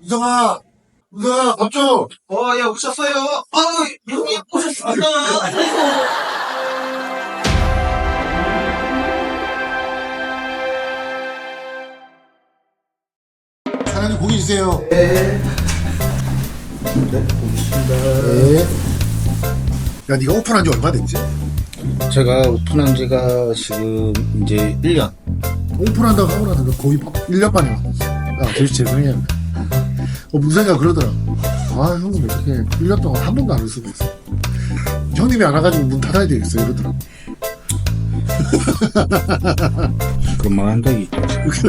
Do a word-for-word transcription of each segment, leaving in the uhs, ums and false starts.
우성아, 우성아, 밥 줘! 어, 예, 오셨어요? 아유, 형님 오셨습니다. 사장님 고기 주세요. 네. 네, 고맙습니다. 네. 야, 네가 오픈한 지 얼마 됐지? 제가 오픈한 지가 지금 이제 일 년. 오픈한다고 하고 나서 거의 일 년 만에 왔어. 아, 되게 죄송해요. 어, 문세가 그러더라. 아, 형님 어떻게 일 년 동안 한 번도 안 올 수가 있어. 형님이 안 와가지고 문 닫아야 되겠어, 이러더라. 그런 말 한 적이 있죠.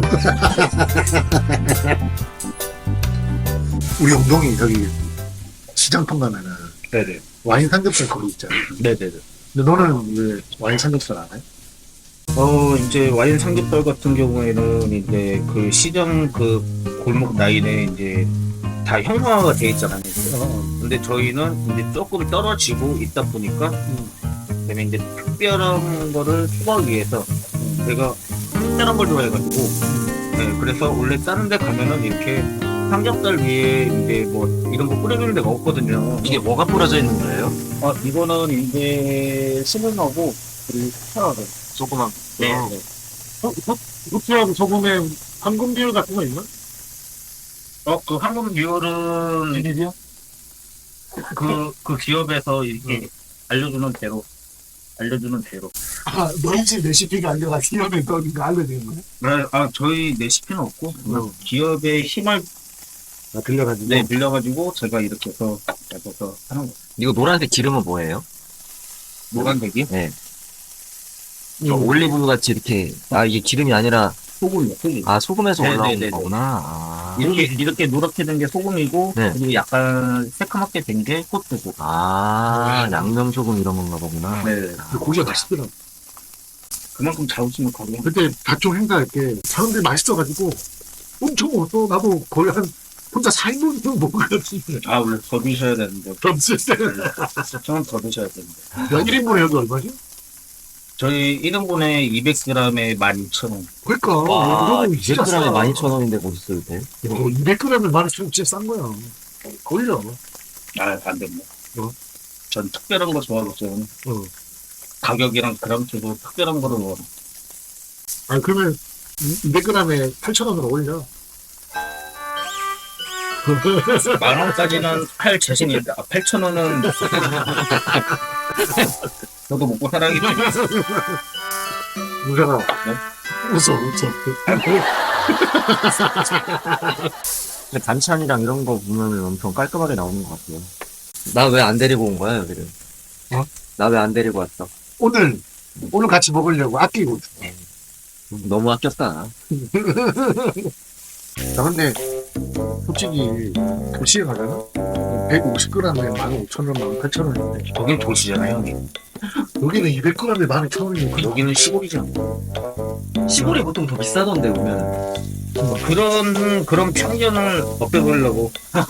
우리 엉덩이 저기 시장통 가면은 네네. 와인 삼겹살 거기 있잖아. 네네네. 근데 너는 왜 와인 삼겹살 안 해? 어, 이제 와인 삼겹살 같은 경우에는 이제 그 시장 그 골목 라인에 이제 다 형상화가 돼 있잖아요. 어, 근데 저희는 이제 조금 떨어지고 있다 보니까 그다음에 이제 특별한 거를 추구하기 위해서 제가 특별한 걸 좋아해가지고 네, 그래서 원래 다른 데 가면은 이렇게 삼겹살 위에 이제 뭐 이런 거 뿌려주는 데가 없거든요. 이게 뭐가 뿌려져 있는 거예요? 아, 이거는 이제 시문하고 그리고 스타하고 조그만. 네, 어. 네. 후추하고 소금에 황금 비율 같은 거 있나? 어, 그 황금 비율은 비밀이야? 그, 그 기업에서 이렇게 알려주는 대로 알려주는 대로. 아, 너희 집 레시피가 아니라 기업에 떠는 거 알려주는 거야? 네, 아, 저희 레시피는 없고 어. 기업의 힘을 아, 들려가지고. 네, 빌려가지고 제가 이렇게 해서 해서 하는 거. 이거 노란색 기름은 뭐예요? 노란색이 네. 저 올리브 같이 이렇게, 아, 이게 기름이 아니라, 소금이요, 소금. 아, 소금에서 네, 올라온 네, 네, 네. 거구나. 아, 이렇게 이렇게 노랗게 된 게 소금이고 네. 그리고 약간 새카맣게 된 게 호두고. 아, 양념소금 이런 건가 보구나. 네. 근데 고기가 맛있더라. 그만큼 자부심을 가지고. 그때 각종 행사할 때 사람들이 맛있어가지고 엄청 먹었어. 나도 거의 한 혼자 사 인분 정도 먹은 것 같은데. 아, 원래 더 드셔야 되는데. 없을 때는. 저는 더 드셔야 되는데. 야, 일 인분에 여기 얼마지? 저희 일 인분에 이백 그램에 만 이천 원. 그러니까. 와, 이거는 진짜 이백 그램에 싸. 만 이천 원인데 멋있을 때. 어, 이백 그램에 만 이천 원 진짜 싼 거야. 걸려. 아, 안 됩니다. 어? 전 특별한 거 좋아하죠. 어. 가격이랑 그램 수도 특별한 거를 먹어. 아, 그러면 이백 그램에 팔천 원으로 올려. 만 원까지는 할 자신이 있다. 아, 팔천 원은 저도 먹고 살아야겠지. 누가가 네? 웃어, 웃어. 근데 반찬이랑 이런 거 보면은 엄청 깔끔하게 나오는 것 같아요. 나 왜 안 데리고 온 거야, 여기를? 어? 나 왜 안 데리고 왔어? 오늘, 오늘 같이 먹으려고 아끼고 있어. 너무 아꼈다. 나 근데 솔직히 도시에 가잖아? 백오십 그램에 만 오천 원, 만 팔천 원인데 거긴 도시잖아요, 형님. 여기는 이백 그램에 만 이천 원이니까 여기는 시골이잖아. 시골이 보통 더 비싸던데, 보면. 그런 그런 편견을 없애보려고.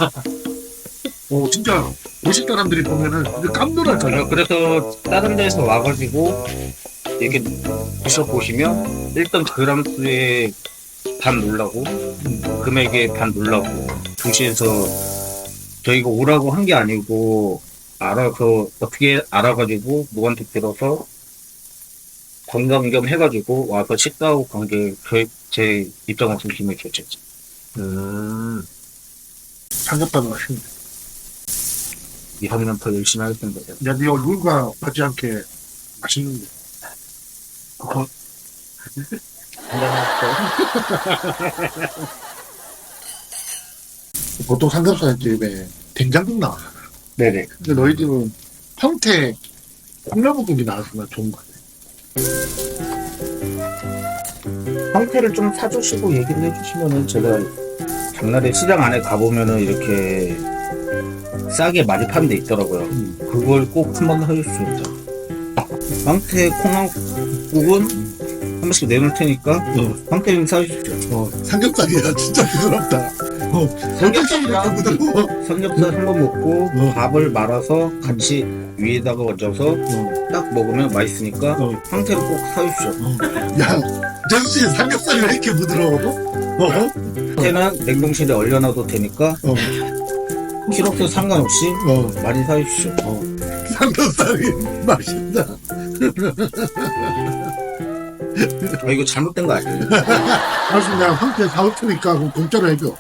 어 진짜 도시 사람들이 보면은 이제 깜놀할까요? 그래서 다른 데서 와가지고 이렇게 드셔보시면 일단 그램 수에 반 놀라고 금액에 반 놀라고 도시에서 저희가 오라고 한 게 아니고 알아서 어떻게 알아가지고 누구한테 들어서 관광 겸 해가지고 와서 식사하고 관계 저- 제 입장에서 힘을 결정했죠. 음. 삼겹살도 맛있는데 이하면 더 열심히 할 텐데. 야, 네 얼굴과 맞지 않게 맛있는데 그거 보통 삼겹살 집에 된장국 나와요. 네네. 근데 너희 집은 평택 콩나물국이 나왔으면 좋은 거 같아. 상태를 좀 사주시고 얘기를 해주시면은 제가 장날에 시장 안에 가보면은 이렇게 싸게 많이 파는 데 있더라고요. 음. 그걸 꼭 한번 해줄 수 있죠. 황태 콩나물국은 한 번씩 내놓을 테니까 어. 황태 좀 사주십시오. 어, 삼겹살이야 삼겹살이야 부드럽다. 어, 삼겹살이랑 부드러워. 삼겹살 한 번 먹고 어. 밥을 말아서 같이 위에다가 얹어서 어, 딱 먹으면 맛있으니까 어. 황태를 꼭 사주십시오. 야, 정씨 삼겹살이 왜 이렇게 부드러워? 어? 그때는 냉동실에 얼려놔도 되니까 어, 키로수 상관없이 어. 많이 사주십시오. 어. 삼겹살이 맛있다. 아, 이거 잘못된 거 아니에요? 사실 내가 한개 사올 테니까 그럼 공짜로 해줘.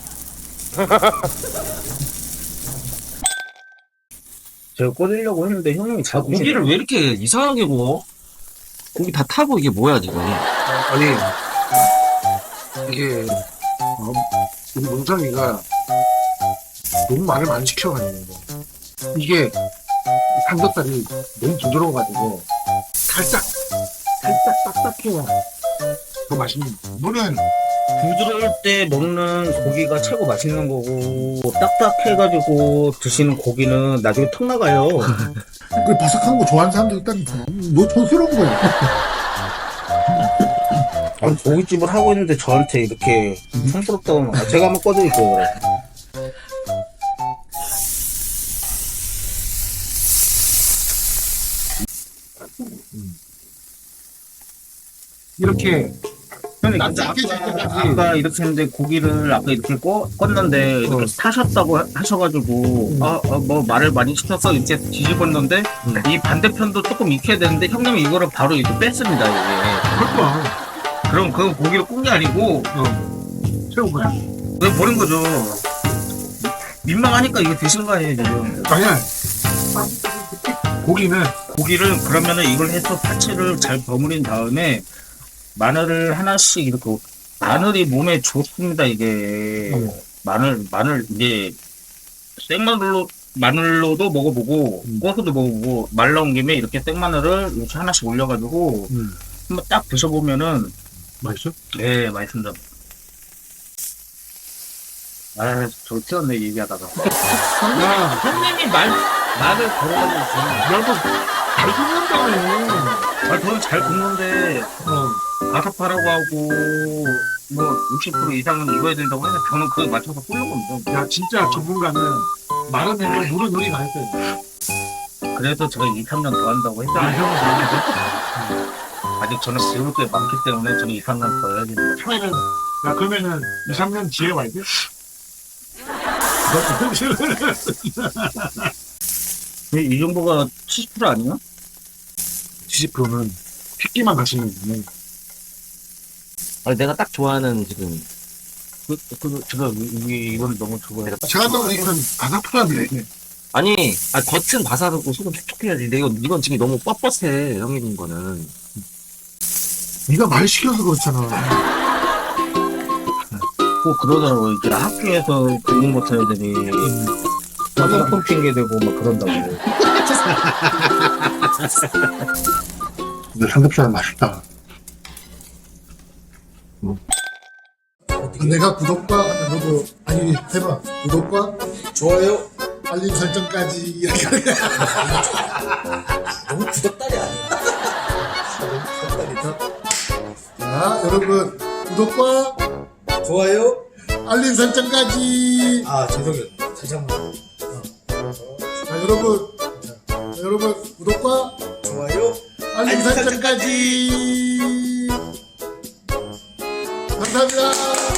제가 꽂으려고 했는데 형님이 잘 고기를 왜 이렇게 이상하게 구워? 고기 다 타고 이게 뭐야 지금? 아니 이게 어, 우리 문성이가 너무 말을 많이 시켜가지고 이게 삼겹살이 너무 부드러워가지고 살짝 살짝 딱딱해야 더 맛있는 거야. 너는 부드러울 때 먹는 고기가 최고 맛있는 거고 딱딱해가지고 드시는 고기는 나중에 턱 나가요. 그 바삭한 거 좋아하는 사람도 있다니까. 너 촌스러운 거야. 아, 고깃집을 하고 있는데 저한테 이렇게 촌스럽다고 하면 아, 제가 한번 꺼드릴게요. 그래. 이렇게 형님 납작해 아까, 줘야지. 아까 이렇게 했는데 고기를 아까 이렇게 꺼, 껐는데 이렇게 타셨다고 하- 하셔가지고 아, 아, 뭐 말을 많이 시켜서 이렇게 뒤집었는데 이 반대편도 조금 익혀야 되는데 형님이 이거를 바로 이렇게 뺐습니다 이게. 그럴까? 그럼 그 고기를 꾼 게 아니고 새우 거야. 왜 버린 거죠? 민망하니까 이거 드시는 거 아니에요 지금? 아니야. 고기는 고기를 그러면은 이걸 해서 파츠를 잘 버무린 다음에 마늘을 하나씩 이렇게 마늘이 몸에 좋습니다 이게 음. 마늘 마늘 이제 생마늘로 마늘로도 먹어보고 음. 구워서도 먹어보고 말 나온 김에 이렇게 생마늘을 이렇게 하나씩 올려가지고 음. 한번 딱 드셔보면은 맛있어? 네 맛있습니다. 아, 저 튀었네 얘기하다가. 야, 형님이 말 말을 걸어가지고 나도 잘 굽는다며. 아, 저는 잘 굽는데 어. 바삭하라고 하고 뭐 육십 퍼센트 이상은 익어야 된다고 해서 저는 그에 맞춰서 끓는 겁니다. 야, 진짜 전문가는 마라멜로 물은 요리가 했어요. 그래서 제가 이, 삼 년 더 한다고 아, 했잖아요. 형은 아직 저는 배울 게 많기 때문에 저는 이, 삼 년 더 해야 됩니다. 처음에는, 야, 그러면은 이, 삼 년 뒤에 와야 돼? 이, 이 정도가 칠십 퍼센트 아니야? 칠십 퍼센트는 핏기만 가시는 분은. 아니 내가 딱 좋아하는 지금 그, 그, 제가 이, 이, 이건 너무 좋아해요. 제가 또 이거는 바삭하네. 아니 아 겉은 바삭하고 속은 촉촉해야지. 근데 이건 이건 지금 너무 뻣뻣해 형님 거는. 네가 말 시켜서 그렇잖아. 꼭 그러더라고요. 이제 학교에서 공부 못한 애들이 화장품 핑계 대고 막 그런다고. 근데 삼겹살은 맛있다. 내가 구독과 너도 아니 해봐 구독과 좋아요. 알림 설정까지 이렇게 하는 너무 구독달이 아니야. 자 여러분 구독과 좋아요. 알림 설정까지. 아 죄송해요. 다시 한번. 자 여러분 자, 자, 여러분 구독과 좋아요. 알림 설정까지. 감사합니다.